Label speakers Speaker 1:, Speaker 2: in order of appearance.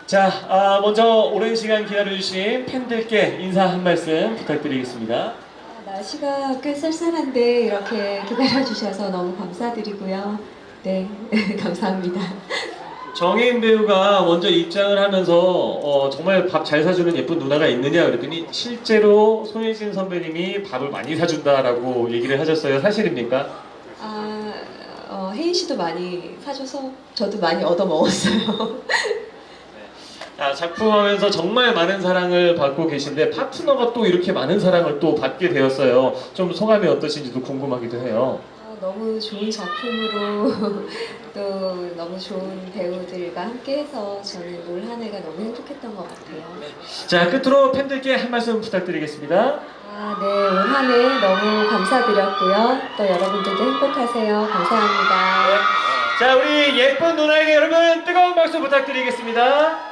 Speaker 1: 자, 먼저 오랜 시간 기다려주신 팬들께 인사 한 말씀 부탁드리겠습니다.
Speaker 2: 날씨가 꽤 쌀쌀한데 이렇게 기다려주셔서 너무 감사드리고요. 네, 감사합니다.
Speaker 1: 정혜인 배우가 먼저 입장을 하면서 정말 밥 잘 사주는 예쁜 누나가 있느냐 그랬더니 실제로 손예진 선배님이 밥을 많이 사준다라고 얘기를 하셨어요. 사실입니까?
Speaker 2: 혜인 씨도 많이 사줘서 저도 많이 얻어 먹었어요.
Speaker 1: 작품하면서 정말 많은 사랑을 받고 계신데 파트너가 또 이렇게 많은 사랑을 또 받게 되었어요. 좀 소감이 어떠신지도 궁금하기도 해요.
Speaker 2: 너무 좋은 작품으로 또 너무 좋은 배우들과 함께해서 저는 올 한 해가 너무 행복했던 것 같아요.
Speaker 1: 자, 끝으로 팬들께 한 말씀 부탁드리겠습니다.
Speaker 2: 네, 올 한 해 너무 감사드렸고요. 또 여러분들도 행복하세요. 감사합니다.
Speaker 1: 자, 우리 예쁜 누나에게 여러분 뜨거운 박수 부탁드리겠습니다.